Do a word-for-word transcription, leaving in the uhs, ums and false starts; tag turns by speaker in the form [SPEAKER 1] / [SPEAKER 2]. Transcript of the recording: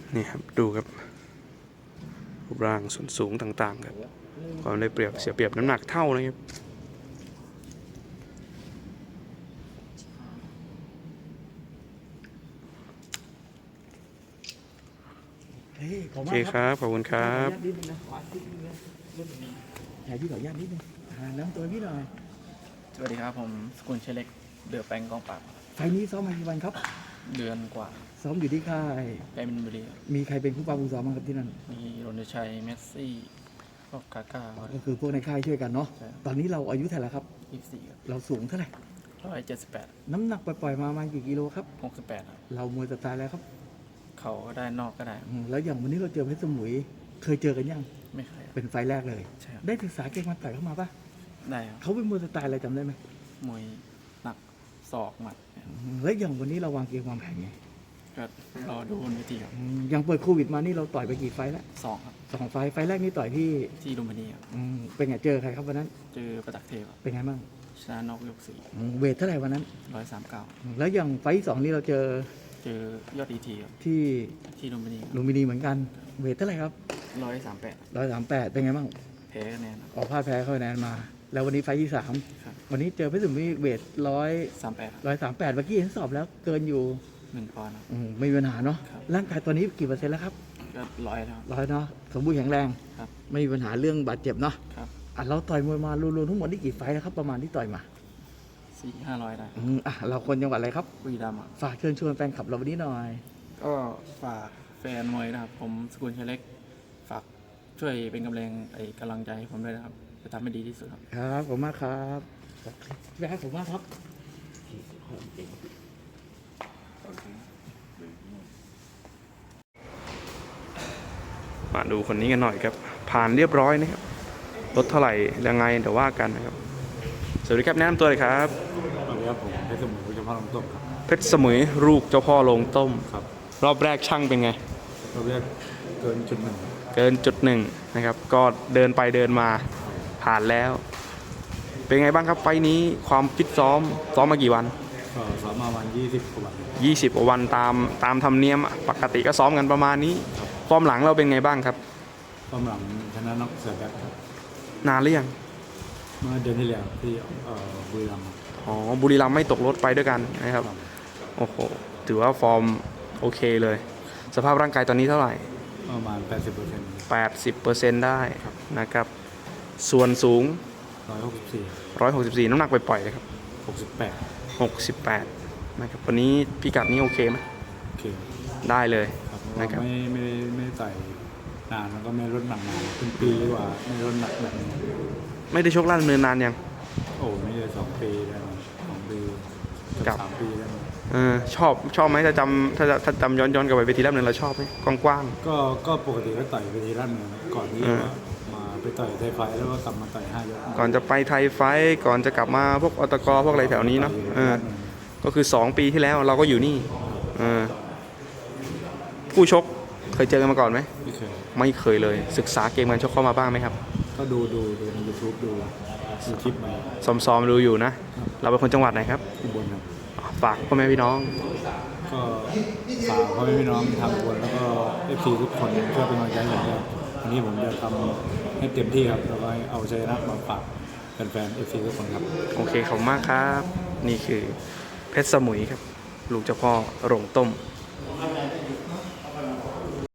[SPEAKER 1] นี่ครับดูครับรูปร่างส่วนสูงต่างๆครับความได้เปรียบเสียเปรียบน้ำหนักเท่านะครับโอเคครับขอบคุณครับ
[SPEAKER 2] ถ่ายพี่ขออนุญาตนิดนึงน้ำตัวพี่หน่อย
[SPEAKER 3] สวัสดีครับผมสกุลเชเล็กเดือแปงกองปราบ
[SPEAKER 2] ไฟนี้ซ้อมมากี่วันครับ
[SPEAKER 3] เดือนกว่า
[SPEAKER 2] ซ้อมอยู่ที่ค่าย
[SPEAKER 3] ไกมินบุรี
[SPEAKER 2] มีใครเป็นผู้ปราบผู้ซ้อมบ้างครับที่นั่น
[SPEAKER 3] มีรณชัยเมสซี่พวกกาก้า
[SPEAKER 2] ก็คือพวกในค่ายช่วยกันเนาะตอนนี้เราอายุเท่าไหร่ครับ
[SPEAKER 3] ยี่สิบสี่ครับ
[SPEAKER 2] เราสูงเท่าไหร่
[SPEAKER 3] ร้อยเจ็ดสิบแปด
[SPEAKER 2] น้ำหนักปล่อยๆมาประมาณกี่กิโลครับ
[SPEAKER 3] หกสิบแปดครับ
[SPEAKER 2] เรามวยสไตล์แล้วครับ
[SPEAKER 3] เขาก็ได้นอกก็ได้
[SPEAKER 2] แล้วอย่างวันนี้เราเจอเพชรสมุยเคยเจอกันยัง
[SPEAKER 3] ไม่เคย
[SPEAKER 2] เป็นไฟแรกเลยได้ศึกษาเก่งมาต่อยเข้ามาปะ
[SPEAKER 3] ได้ครับ
[SPEAKER 2] เขาเป็นมวยสไตล์อะไรจำได้ไหม
[SPEAKER 3] มวยหนักศอกหมัด
[SPEAKER 2] แล้วอย่างวันนี้เราวางเกมวางแผนไง
[SPEAKER 3] ก็รอดูบนเวทีครับ
[SPEAKER 2] ยังเปิดโควิดมานี่เราต่อยไปกี่ไฟแล้ว
[SPEAKER 3] สองครับ
[SPEAKER 2] สองไฟไฟแรกนี่ต่อยที่
[SPEAKER 3] ที่ลุมพินีครับ
[SPEAKER 2] เป็นไงเจอใครครับวันนั้น
[SPEAKER 3] เจอประตักเทพ
[SPEAKER 2] เป็นไงบ้าง
[SPEAKER 3] ชนะนอกยกสี่
[SPEAKER 2] เวทเท่าไหร่วันนั้น
[SPEAKER 3] ร้อยสามเก้า
[SPEAKER 2] แล้วอย่างไฟที่สองนี่เราเจอ
[SPEAKER 3] เจอยอดอีทีครับ
[SPEAKER 2] ที่
[SPEAKER 3] ที่ลุมพินี
[SPEAKER 2] ลุมพินีเหมือนกันเวทเท่าไหร่ครับ
[SPEAKER 3] ร้อยสามแปด
[SPEAKER 2] ร้อยสามแปดเป็นไงบ้าง
[SPEAKER 3] แพ้คะแนน
[SPEAKER 2] ออกพลาดแพ้เข้าคะแนนมาแล้ววันนี้ไฟที่สามวันนี้เจอเพชรสมุยเวทร้อย
[SPEAKER 3] สามแปด
[SPEAKER 2] ร้อยสามแปดเมื่อกี้เห็นสอบแล้วเกินอยู่
[SPEAKER 3] หนึ่งปอนด์
[SPEAKER 2] ไม่มีปัญหาเนาะร่างกายตอนนี้กี่เปอร์เซ็นต์แล้วครับ
[SPEAKER 3] ก็ร้อยแล้ว
[SPEAKER 2] ร้อยเนาะสมบูรณ์แข็งแรงไม่มีปัญหาเรื่องบาดเจ็บเนาะอ่ะเราต่อยมวยมารวมๆทั้งหมดนี่กี่ไฟแล้วครับประมาณที่ต่อยมา
[SPEAKER 3] สี่ห้าร้อยได้
[SPEAKER 2] อ่ะเราคนจังหวัดอะไรครับ
[SPEAKER 3] บุรีรัมย์
[SPEAKER 2] ฝากเชิญชวนแฟนคลับเราวันนี้หน่อย
[SPEAKER 3] ก็ฝากแฟนมวยนะครับผมสกุลเชเล็กฝากช่วยเป็นกำลังไอ้กำลังใจให้ผมด้วยนะครับจะทำให้ดีที่สุดครับ
[SPEAKER 2] ครับผมมากครับแม่ผมมากครับ
[SPEAKER 1] มาดูคนนี้กันหน่อยครับผ่านเรียบร้อยนะครับลดเท่าไหร่ยังไงเดี๋ยวว่ากันนะครับสวัสดีครับแนะนำตัวเลยครับ
[SPEAKER 4] สวัสดีครับผมเพชรสมุยเจ้าพ่อลงต้มครับ
[SPEAKER 1] เพชรสมุยลูกเจ้าพ่อลงต้มครับรอบแรกช่างเป็นไง
[SPEAKER 4] รอบแรกเกินจุดหนึ่ง
[SPEAKER 1] เกินจุดหนึ่งนะครับก็เดินไปเดินมาผ่านแล้วเป็นไงบ้างครับไฟนี้ความฟิตซ้อมซ้อมมากี่วัน
[SPEAKER 4] ก็ซ้อมมาวันยี่สิบกว่าวัน
[SPEAKER 1] ยี่สิบกว่าวันตามตามธรรมเนียมปกติก็ซ้อมกันประมาณนี้ฟอร์มหลังเราเป็นไงบ้างครับ
[SPEAKER 4] ฟอร์มหลังชนะน็อกเสือแบ็คครับ
[SPEAKER 1] นานหรือยัง
[SPEAKER 4] เมื่อเดือนที่แล้วที่บุรีรัมย์
[SPEAKER 1] อ๋อบุรีรัมย์ไม่ตกรถไปด้วยกันนะครับโอ้โหถือว่าฟอร์มโอเคเลยสภาพร่างกายตอนนี้เท่าไหร่
[SPEAKER 4] ประมาณ แปดสิบเปอร์เซ็นต์
[SPEAKER 1] แปดสิบเปอร์เซ็นต์ ได้นะครับส่วนสูง
[SPEAKER 4] ร้อยหกสิบสี่
[SPEAKER 1] ร้อยหกสิบสี่น้ำหนักปล่อยๆเลยครับ
[SPEAKER 4] หกสิบแปด
[SPEAKER 1] หกสิบแปดนะครับวันนี้พิกัดนี้โอเคไหม
[SPEAKER 4] โอเค
[SPEAKER 1] ได้เลย
[SPEAKER 4] นะครับไม่ไม่ไม่ใส่นานแล้วก็ไม่ลดหนักนานเป็นปีกว่าไม่ลดหนักแบบนี้
[SPEAKER 1] ไม่ได้ชกล่าดำเนินนานยัง
[SPEAKER 4] โอ้ไม่ได้สองปีแล้วสองปีกับสามปีแล้ว
[SPEAKER 1] เออชอบชอบไหมถ้าจำถ้าถ้าจำย้อนย้อนกลับไปเวทีล่าดำเนินเราชอบไหมกว้าง
[SPEAKER 4] ๆก็ก็ปกติก็ต่อยเวทีล่าดำเนินก่อนที่มาไปต่อยไทยไฟแล้วก็กลับมาต่อยห้ายก
[SPEAKER 1] ก่อนจะไปไทยไฟก่อนจะกลับมาพวกอตกพวกอะไรแถวนี้เนาะเออก็คือสองปีที่แล้วเราก็อยู่นี่เออผู้ชกเคยเจอกันมาก่อนไหม
[SPEAKER 4] ไม่เคย
[SPEAKER 1] ไม่เคยเลยศึกษาเกมการชกเข้ามาบ้างไหมครับ
[SPEAKER 4] ก็ดูดูดูใน ยูทูบ ดูดูคลิปมา
[SPEAKER 1] ซ้อมๆดูอยู่นะเราเป็นคนจังหวัดไหนครับ
[SPEAKER 4] อุบลครับ
[SPEAKER 1] ฝากพ่อแม่พี่น้อง
[SPEAKER 4] ก็ฝากพ่อแม่พี่น้องทางอุบลแล้วก็เอฟซีทุกคนช่วยเป็นกำลังใจให้ผมด้วยวันนี้ผมจะทำให้เต็มที่ครับแล้วก็เอาชัยชนะมาฝากแฟนๆเอฟซีทุกคนครับ
[SPEAKER 1] โอเคขอบคุณมากครับนี่คือเพชรสมุยครับลูกเจ้าพ่อโรงต้ม